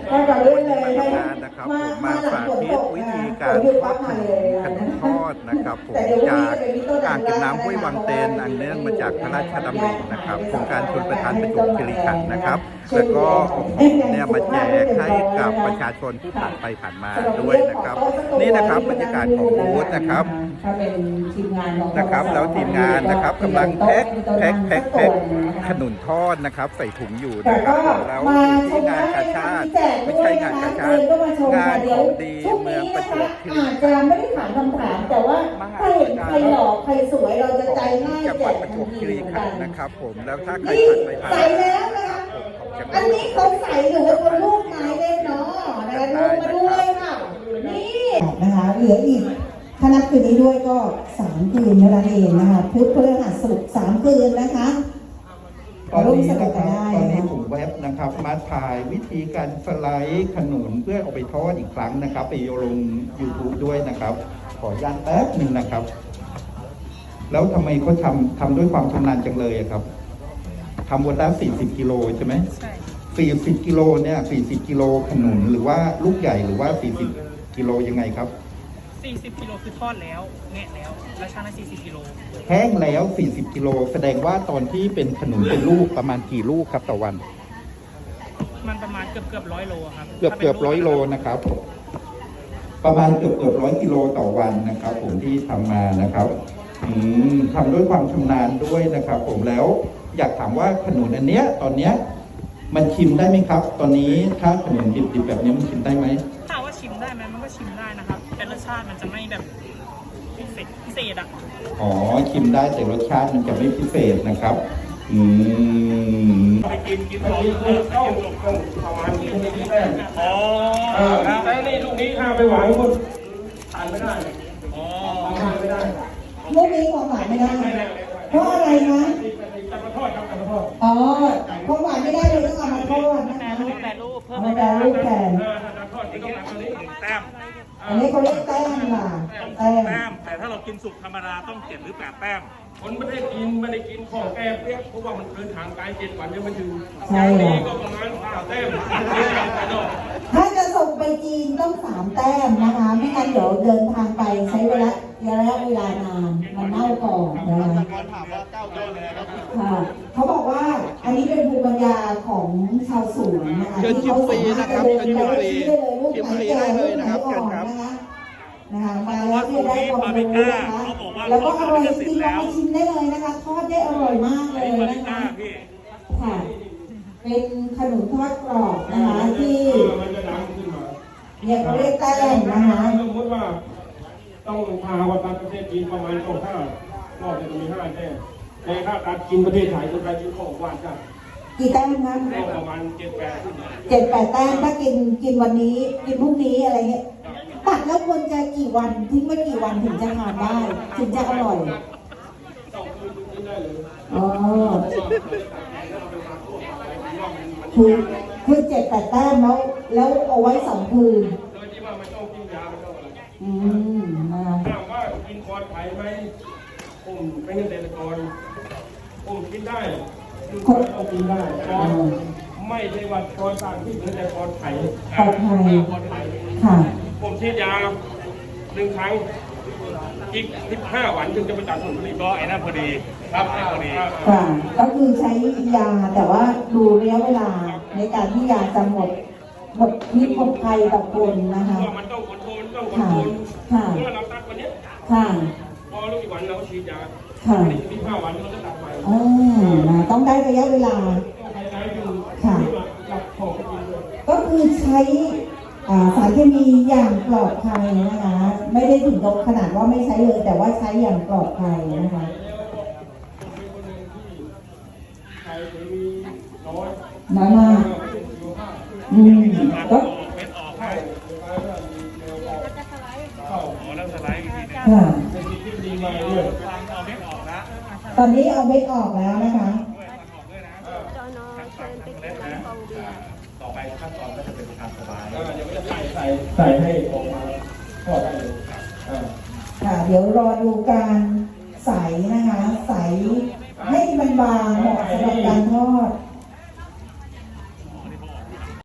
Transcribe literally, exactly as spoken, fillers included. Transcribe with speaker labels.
Speaker 1: ก็จะเลื่อนเลยนะ
Speaker 2: นะครับผมมาสาธิตวิธีการทอดขนมขนมทอดนะครับผมจากอ่างเก็บน้ำห้วยวังเตนอันเนื่องมาจากพระราชดำรินะครับโครงการชลประทานประจวบคีรีขันธ์นะครับแล้วก็เนี่ยมาแจกให้กับประชาชนที่ผ่านไปผ่านมาด้วยนะครับนี่นะครับบรรยากาศของบูธนะครับนะครับแล้วทีมงานนะครับกำลังแพ็คแพ็คแพ็คแพ็คขนุนทอดนะครับใส่ถุงอยู่นะครับแล้วที่งานกาชาติไม่ใช่งานกาชาติงานของดีเมืองประจวบคีรีขันธ์
Speaker 1: อาจจะไม่ได้ถามคำถามแต่ว่าถ้าเห็นใครหล่อใครสวยเราจะใจง่าย
Speaker 2: จังห
Speaker 1: แจ
Speaker 2: วัด
Speaker 1: ก
Speaker 2: ประจ
Speaker 1: ทั
Speaker 2: วน บ
Speaker 1: ที
Speaker 2: คีรี
Speaker 1: เหมือน
Speaker 2: ขั
Speaker 1: กัน น
Speaker 2: ธ์นะครับผมแล้วถ้าใคร
Speaker 1: นี่
Speaker 2: ผ่านไปผ่าน
Speaker 1: ใส่แล้วนะคะอันนี้เขาใส่หรือว่าเขาลูกไม้เล่นเนาะนะคะลงมาดูเลยค่ะนี่นะคะเหลืออีกถ้านับคืนนี้ด้วยก็สามคืนเท่านั้นเองนะคะพุธพฤหัสศุกร์สามคืนนะคะ
Speaker 2: ตอนนี้นะครับตอนนี้ผมเว็บนะครับมาถ่ายวิธีการสไลด์ขนุนเพื่อเอาไปทอดอีกครั้งนะครับไปลง ยูทูบ ด้วยนะครับขออนุญาตแป๊บหนึ่งนะครับแล้วทำไมเขาทำทำด้วยความชำนาญจังเลยครับทำวันละสี่สิบกิโลใช่ไหมใช่สี่สิบกิโลเนี่ยสี่สิบกิโลขนุนหรือว่าลูกใหญ่หรือว่าสี่สิบกิโลยังไงครับ
Speaker 3: สี่สิบกิโลคือทอดแล้วแงะแล้วแล้วชั่งได้สี่สิบกิโล
Speaker 2: แห้งแล้วสี่สิบกิโลแสดงว่าตอนที่เป็นขนุนเป็นลูกประมาณกี่ลูกครับต่อวัน
Speaker 3: มันประมาณเกือบเกือบร้อยโลครับ
Speaker 2: เกือบเกือบร้อยโลนะครับประมาณเกือบเกือบร้อยกิโลต่อวันนะครับผมที่ทำมานะครับอืมทำด้วยความชำนาญด้วยนะครับผมแล้วอยากถามว่าขนุนอันเนี้ยตอนเนี้ยมันชิมได้ไหมครับตอนนี้ถ้าขนุนดิบๆแบบนี้มันชิมได้ไหม
Speaker 3: ถามว่าชิมได้ไหมมันก็ชิมได้นะครับแต่รสชาติมันจะไม่แบบพิเศษพิเศษอ่ะ
Speaker 2: อ๋อชิมได้แต่รสชาติมันจะไม่พิเศษนะครับอืม
Speaker 4: ไปกินกินของเข้าต้องประมาณนี้ที่แรกอ๋อแต่นี่ลูกนี้ข้าไปหวานคนทานไม่ได้อ๋อทานไม่ได้
Speaker 1: ลูกนี้ของหวานไม่ได้เพราะอะไรนะ
Speaker 4: จะมาทอดครับจะมาทอด
Speaker 1: อ๋อของหวานไม่ได้เลยต้องเอามาทอดนะ
Speaker 3: แปร
Speaker 1: คะ
Speaker 3: รูปแปรรูปเพิ่ม
Speaker 1: เอามาแปรรูปแทน
Speaker 4: ถ้าทอดจะต้องการนี้แต้ม
Speaker 1: อันนี้เขาเรียกแต้มค่ะแต้ม
Speaker 4: แต้มแต่ถ้าเรากินสุกธรรมดาต้องเจ็ดหรือแปดแต้มคนไม่ได้กินไม่ได้กินของแก้เปียกเพราะว่ามันเดินทางไกลเจ็ดวันยังไม่ถึงอย่างนี้ก็ประมาณห้าแต้ม
Speaker 1: ถ้าจะส่งไปจีนต้องสามแต้มนะคะไม่งั้นเดี๋ยวเดินทางไปใช้เวลาระยะเวลานานมันเน่าก่อนนะคะค่ะเขาบอกว่าอันนี้เป็นภูมิปัญญาของชาวสวนนะคะที่เขาสามารถจะเดินไปชี้ได้เลยลูกไหนแก่ลูกไหนอ่อนนะคะนะคะมาแล้วเนี่ยได้ความรู้นะคะแล้วก็อร่อยจริงๆลองไปชิมได้เลยนะคะทอดได้อร่อยมากเลยนะคะค่ะเป็นขนมทอดกรอบนะคะที่เนี่ยเขาเรียกแต้มนะคะ
Speaker 4: สมมติว่าต้องพาวัตถุประเทศจีนประมาณสองห้านอกจากมีห้าแต้มแต่ถ้าการกินประเทศไทยจะไปกินของหวานกัน
Speaker 1: กี่แต้มนะ
Speaker 4: ประมาณเจ็ดแปด
Speaker 1: เจ็ดแปดแต้มถ้ากินกินวันนี้กินพรุ่งนี้อะไรเงี้ยตัดแล้วควรจะกี่วันทิ้งไว้กี่วันถึงจะทานได้ถึงจะอร่อยอ๋อคือคือเจ็ดแปดแต้มแล้วแล้วเอาไว้สองคืน
Speaker 4: โดยที่ว่าไม่ต้องกินยาไม่ต้องอะไร
Speaker 1: อืมนะ
Speaker 4: ถามว่ากินคอนไผ่ไหมผมเป็นเกษตรกรผมกินได้คนต้องกินได้คอนไม่ใช่ว่าคอนต่างที่เป็นแต่คอนไผ่
Speaker 1: คอนไผ่
Speaker 4: คอนไผ่
Speaker 1: ค่ะ
Speaker 4: ผมฉีดยาหนึ่งครั้งอีกสิบห้าวันถึงจะไปตัดผลผลิตก็ไอ้นั่นพอดีครับไอ้พอดี
Speaker 1: ค่ะก็คือใช้ยาแต่ว่าดูระยะเวลาในการที่ยาจะหมดหมดพิษหมดภัยต่อคนนะคะ
Speaker 4: มันต้องคอนโทรลต้องคอนโทรลเมื่อเราตัดวันนี้
Speaker 1: ค่ะ
Speaker 4: พอรู้อีกวันเราฉีดยา
Speaker 1: ค่ะ
Speaker 4: สิบห้าวันเราจะตัดไป
Speaker 1: อ๋อต้องได้ระยะเวลาค่ะก็คือใช้สารเคมีอย่างปลอดภัยนะคะไม่ได้ถึงกับขนาดว่าไม่ใช้เลยแต่ว่าใช้อย่างปลอดภัยนะคะน้อยมากอืมก็ค่ะตอนนี้เอาเม็ดออกแล้วนะคะ
Speaker 4: ต่อไปขั้นตอนก็จะเป็นการสบายเดี๋ยวจะใส่ใส่ใส่ให้ออกมาทอดได้เลย
Speaker 1: ค่ะเดี๋ยวรอดูการใส่นะคะใส่ให้มันบางเหมาะสำหรับการทอด